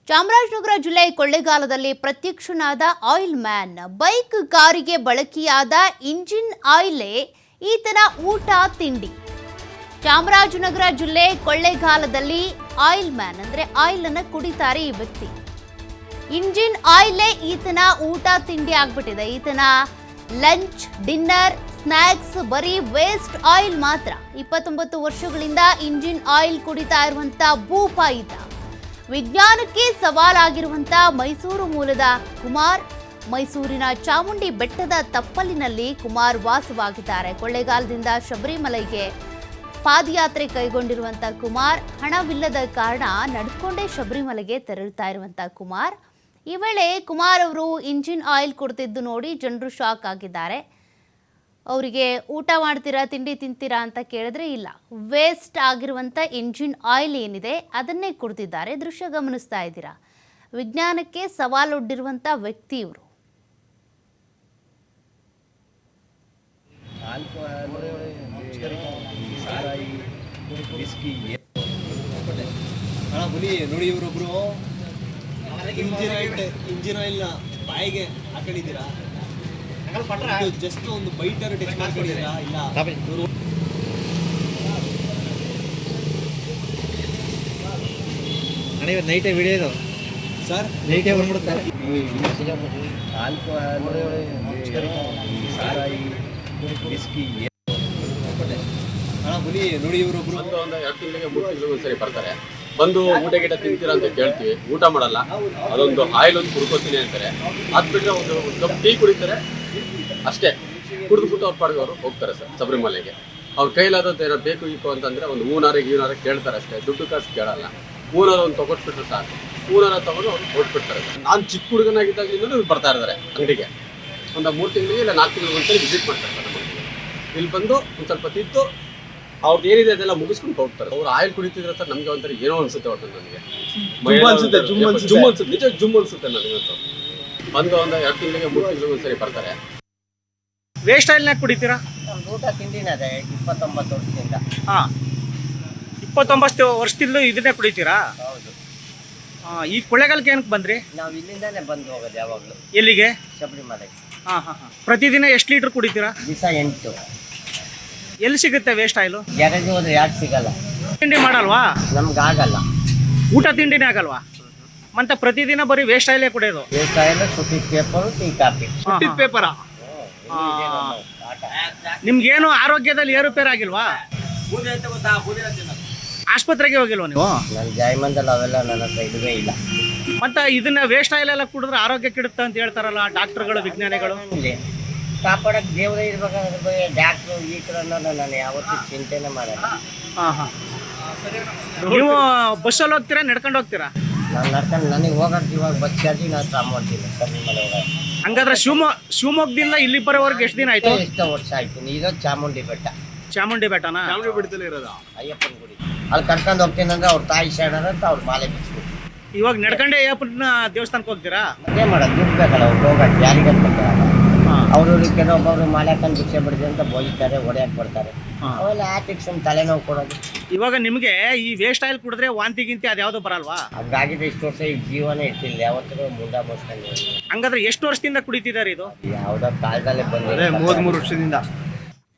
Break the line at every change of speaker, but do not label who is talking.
ಚಾಮರಾಜನಗರ ಜಿಲ್ಲೆ ಕೊಳ್ಳೇಗಾಲದಲ್ಲಿ ಪ್ರತ್ಯಕ್ಷನಾದ ಆಯಿಲ್ ಮ್ಯಾನ್. ಬೈಕ್ ಕಾರಿಗೆ ಬಳಕೆಯಾದ ಇಂಜಿನ್ ಆಯಿಲೇ ಈತನ ಊಟ ತಿಂಡಿ. ಚಾಮರಾಜನಗರ ಜಿಲ್ಲೆ ಕೊಳ್ಳೇಗಾಲದಲ್ಲಿ ಆಯಿಲ್ ಮ್ಯಾನ್ ಅಂದ್ರೆ ಆಯಿಲ್ ಅನ್ನ ಕುಡಿತಾರೆ ಈ ವ್ಯಕ್ತಿ. ಇಂಜಿನ್ ಆಯಿಲೇ ಈತನ ಊಟ ತಿಂಡಿ ಆಗ್ಬಿಟ್ಟಿದೆ. ಈತನ ಲಂಚ್, ಡಿನ್ನರ್, ಸ್ನ್ಯಾಕ್ಸ್ ಬರೀ ವೇಸ್ಟ್ ಆಯಿಲ್ ಮಾತ್ರ. 29 ವರ್ಷಗಳಿಂದ ಇಂಜಿನ್ ಆಯಿಲ್ ಕುಡಿತಾ ಇರುವಂತ ಭೂಪ ಈತ. ವಿಜ್ಞಾನಕ್ಕೆ ಸವಾಲಾಗಿರುವಂತ ಮೈಸೂರು ಮೂಲದ ಕುಮಾರ್. ಮೈಸೂರಿನ ಚಾಮುಂಡಿ ಬೆಟ್ಟದ ತಪ್ಪಲಿನಲ್ಲಿ ಕುಮಾರ್ ವಾಸವಾಗಿದ್ದಾರೆ. ಕೊಳ್ಳೇಗಾಲದಿಂದ ಶಬರಿಮಲೆಗೆ ಪಾದಯಾತ್ರೆ ಕೈಗೊಂಡಿರುವಂತ ಕುಮಾರ್ ಹಣವಿಲ್ಲದ ಕಾರಣ ನಡ್ಕೊಂಡೇ ಶಬರಿಮಲೆಗೆ ತೆರಳುತ್ತಾ ಇರುವಂತ ಕುಮಾರ್. ಈ ವೇಳೆ ಕುಮಾರ್ ಅವರು ಇಂಜಿನ್ ಆಯಿಲ್ ಕೊಡ್ತಿದ್ದು ನೋಡಿ ಜನರು ಶಾಕ್ ಆಗಿದ್ದಾರೆ. ಅವರಿಗೆ ಊಟ ಮಾಡ್ತೀರಾ, ತಿಂಡಿ ತಿಂತೀರಾ ಅಂತ ಕೇಳಿದ್ರೆ ಇಲ್ಲ, ವೇಸ್ಟ್ ಆಗಿರುವಂಥ ಇಂಜಿನ್ ಆಯಿಲ್ ಏನಿದೆ ಅದನ್ನೇ ಕುಡ್ತಿದ್ದಾರೆ. ದೃಶ್ಯ ಗಮನಿಸ್ತಾ ಇದ್ದೀರಾ. ವಿಜ್ಞಾನಕ್ಕೆ ಸವಾಲೊಡ್ಡಿರುವಂಥ ವ್ಯಕ್ತಿ ಇವರು.
ನೋಡಿ ಇವರೊಬ್ರು ಇಂಜಿನ್ ಆಯಿಲ್ನ ಬಾಯಿಗೆ ಹಾಕೊಂಡಿದ್ದೀರಾ? ಜಸ್ಟ್ ಒಂದು ಬೈಟರ್ ಟೆಸ್ಟ್ ಮಾಡ್ಕೊಂಡಿದ್ದೀರಾ? ಇಲ್ಲ
ನೈಟೇ ವಿಡಿಯೋ ಇದು
ಸರ್,
ನೈಟೇ ಬಂದ್ಬಿಡುತ್ತಾರೆ.
ನೋಡಿ ಇವರೊಬ್ರು
ಒಂದು 2 ತಿಂಗಳಿಗೆ 3 ತಿಂಗಳಿಗೆ ಒಂದ್ಸರಿ ಬರ್ತಾರೆ. ಬಂದು ಊಟ ಗೀಟ ತಿಂತೀರಾ ಅಂತ ಕೇಳ್ತೀವಿ, ಊಟ ಮಾಡಲ್ಲ. ಅದೊಂದು ಆಯಿಲ್ ಒಂದು ಕುಡ್ಕೋತೀನಿ ಅಂತಾರೆ. ಅದು ಬಿಟ್ಟರೆ ಒಂದು ಕಪ್ ಟೀ ಕುಡಿತಾರೆ ಅಷ್ಟೇ. ಕುಡಿದ್ಬಿಟ್ಟು ಅವ್ರ ಪಾಡಿಗೆ ಅವರು ಹೋಗ್ತಾರೆ ಸರ್ ಶಬರಿಮಲೆಗೆ. ಅವ್ರ ಕೈಲಾದದ್ದು ಏನೋ ಬೇಕು ಈಕು ಅಂತಂದರೆ ಒಂದು ಹೂನಾರ ಕೇಳ್ತಾರೆ ಅಷ್ಟೇ. ದುಡ್ಡು ಕಾಸು ಕೇಳಲ್ಲ. ಹೂನಾರ ಒಂದು ತೊಗೊಟ್ಬಿಟ್ರೆ ಸಾಕು. ಹೂನಾರ ತೊಗೊಂಡು ಅವ್ರು ಹೊಟ್ಬಿಡ್ತಾರೆ ಸರ್. ನಾನು ಚಿಕ್ಕ ಹುಡುಗನಾಗಿದ್ದಾಗಲಿಂದ ಇವ್ರು ಬರ್ತಾ ಇದ್ದಾರೆ ಅಂಗಡಿಗೆ. ಒಂದು 3 ತಿಂಗಳಿಗೆ ಇಲ್ಲ 4 ತಿಂಗಳಿಗೆ ಒಂದ್ಸರಿ ವಿಸಿಟ್ ಮಾಡ್ತಾರೆ ಸರ್ ನಮಗೆ. ಇಲ್ಲಿ ಬಂದು ಒಂದು ಸ್ವಲ್ಪ ತಿದ್ದು ಅವ್ರದ್ದು ಏನಿದೆ ಅದೆಲ್ಲ ಮುಗಿಸ್ಕೊಂಡು ಹೋಗ್ತಾರೆ. ಅವ್ರು ಆಯಿಲ್ ಕುಡಿತಿದ್ರೆ ಸರ್ ನಮಗೆ ಒಂಥರ ಏನೋ ಅನ್ಸುತ್ತೆ. ಒಟ್ಟು ನನಗೆ ಜುಮ್ ಅನ್ಸುತ್ತೆ, ನಿಜ ಜುಮ್ ಅನ್ಸುತ್ತೆ ನನಗಂತೂ. ಬಂದು ಒಂದು 2 ತಿಂಗಳಿಗೆ 3 ತಿಂಗಳಿಗೆ ಒಂದ್ಸರಿ ಬರ್ತಾರೆ.
ವೇಸ್ಟ್ ಆಯಿಲ್ನಾಗ ಕುಡಿತೀರಾ?
ಊಟ ತಿಂಡಿನ ಅದೇ 29 ವರ್ಷದಿಂದ.
ಹಾಂ, 29 ವರ್ಷದಿಂದ ಇದನ್ನೇ ಕುಡಿತೀರಾ?
ಹೌದು.
ಈ ಕೊಳ್ಳೇಗಾಲಕ್ಕೆ ಏನಕ್ಕೆ ಬಂದ್ರಿ?
ನಾವು ಇಲ್ಲಿಂದಾನೆ ಬಂದು ಹೋಗೋದು ಯಾವಾಗಲೂ
ಎಲ್ಲಿಗೆ?
ಶಬರಿಮಲೆಗೆ.
ಹಾಂ. ಪ್ರತಿದಿನ ಎಷ್ಟು ಲೀಟ್ರ್ ಕುಡಿತೀರಾ?
ದಿವಸ 8.
ಎಲ್ಲಿ ಸಿಗುತ್ತೆ ವೇಸ್ಟ್ ಆಯಿಲು?
ಗ್ಯಾರೇಜ್ ಹೋದ್ರೆ ಯಾಕೆ ಸಿಗಲ್ಲ.
ತಿಂಡಿ ಮಾಡಲ್ವಾ?
ನಮ್ಗೆ ಆಗಲ್ಲ.
ಊಟ ತಿಂಡಿನೇ ಆಗಲ್ವಾ? ಮತ್ತೆ ಪ್ರತಿದಿನ ಬರೀ ವೇಸ್ಟ್ ಆಯಿಲೇ ಕುಡಿಯೋದು?
ವೇಸ್ಟ್ ಆಯಿಲ್, ಸುಟ್ಟಿದ ಪೇಪರು, ಟೀ ಕಾಫಿ.
ಸುಟ್ಟಿದ ಪೇಪರ? ನಿಮ್ಗೇನು ಆರೋಗ್ಯದಲ್ಲಿ ಏರುಪೇರು ಆಗಿಲ್ವಾ? ಆಸ್ಪತ್ರೆಗೆ ಹೋಗಿಲ್ವಾ ನೀವು?
ನನ್ನ ಜಾಯಮಂದಲ್ಲಿ ಅವೆಲ್ಲ ನನ್ನ ಹತ್ರ ಇದುವೇ ಇಲ್ಲ.
ಮತ್ತೆ ಇದನ್ನ ವೇಸ್ಟ್ ಆಯಿಲ್ ಎಲ್ಲ ಕುಡಿದ್ರೆ ಆರೋಗ್ಯ ಕೆಡುತ್ತೆ ಅಂತ ಹೇಳ್ತಾರಲ್ಲ ಡಾಕ್ಟರ್ಗಳು, ವಿಜ್ಞಾನಿಗಳು.
ಇಲ್ಲಿ ಕಾಪಾಡಕ್ಕೆ ದೇವರೇ ಇರ್ಬೇಕಾದ್ರೆ ಡಾಕ್ಟ್ರು ಗೀಟ್ರನ್ನ ನಾನು ಯಾವತ್ತೂ ಚಿಂತೆನೇ ಮಾಡಲ್ಲ.
ಹಾಂ. ನೀವು ಬಸ್ಸಲ್ಲಿ ಹೋಗ್ತೀರಾ, ನಡ್ಕೊಂಡು ಹೋಗ್ತೀರಾ?
ನಾನು ನಡ್ಕೊಂಡು ನನಗೆ ಹೋಗೋದು ಇವಾಗ ಬಸ್ ಚಾರ್ಜಿ ನಾನು ತಗೊಂಡ್ತೀನಿ ಶಬರಿಮಲೆ ಹೋಗೋದು.
ಹಂಗಾದ್ರೆ ಶಿವಮೊಗ್ಗದಿಂದ ಇಲ್ಲಿ ಬರೋವರೆಗೆ ಎಷ್ಟು ದಿನ ಆಯ್ತು?
ಎಷ್ಟೋ ವರ್ಷ ಆಯ್ತು. ಇರೋದು ಚಾಮುಂಡಿ ಬೆಟ್ಟ.
ಚಾಮುಂಡಿ ಬೆಟ್ಟನಾ?
ಚಾಮುಂಡಿ ಬೆಟ್ಟದಲ್ಲಿ ಇರೋದು
ಅಯ್ಯಪ್ಪನ ಗುಡಿ. ಅಲ್ಲಿ ಕರ್ಕೊಂಡು ಹೋಗ್ತೀನಿ ಅಂದ್ರೆ ಅವ್ರ ತಾಯಿ ಶರಣರ ಅಂತ ಅವ್ರ ಮಾಲೆ ಬಿಚ್ಚಿಬಿಟ್ಟು.
ಇವಾಗ ನಡ್ಕೊಂಡೆ ಅಯ್ಯಪ್ಪನ ದೇವಸ್ಥಾನಕ್ಕೆ ಹೋಗ್ತೀರಾ?
ಅದೇ ಮಾಡೋದು, ದುಡ್ಡು ಬೇಕಲ್ಲ ಅವ್ರು ಹೋಗಕ್ಕೆ. ಯಾರಿಗಂತ ಬರ್ತಾರಲ್ಲ ಅವರು ಕೆಲವೊಬ್ಬರು ಮಾಲೆ ಹಾಕೊಂಡು ಭಿಕ್ಷೆ ಬಿಡ್ತೀವಿ ಅಂತ ಬೋಯ್ತಾರೆ, ಹೊಡೆಯಕ್ಕೆ ಬರ್ತಾರೆ. ಅವೆಲ್ಲ ಆಟಿಕ್ಸ್ ತಲೆನೋವು ಕೊಡೋದು.
ಇವಾಗ ನಿಮಗೆ ಈ ವೇಸ್ಟ್ ಆಯಿಲ್ ಕುಡಿದ್ರೆ ವಾಂತಿ ಗಿಂತಿ ಅದ್ಯಾವುದು ಬರಲ್ವಾ?
ಹಂಗಾಗಿದೆ ಇಷ್ಟು ವರ್ಷ ಈ ಜೀವನೇ ಇಟ್ಟಿಲ್ಲ. ಯಾವತ್ತೂ ಮುಂಡ ಮೋಸ್ಕೊಂಡು.
ಹಂಗಾದ್ರೆ ಎಷ್ಟು ವರ್ಷದಿಂದ ಕುಡಿತಿದ್ದಾರೆ ಇದು?
ಯಾವುದೋ ಕಾಲದಲ್ಲೇ ಬಂದಿದೆ.
33 ವರ್ಷದಿಂದ.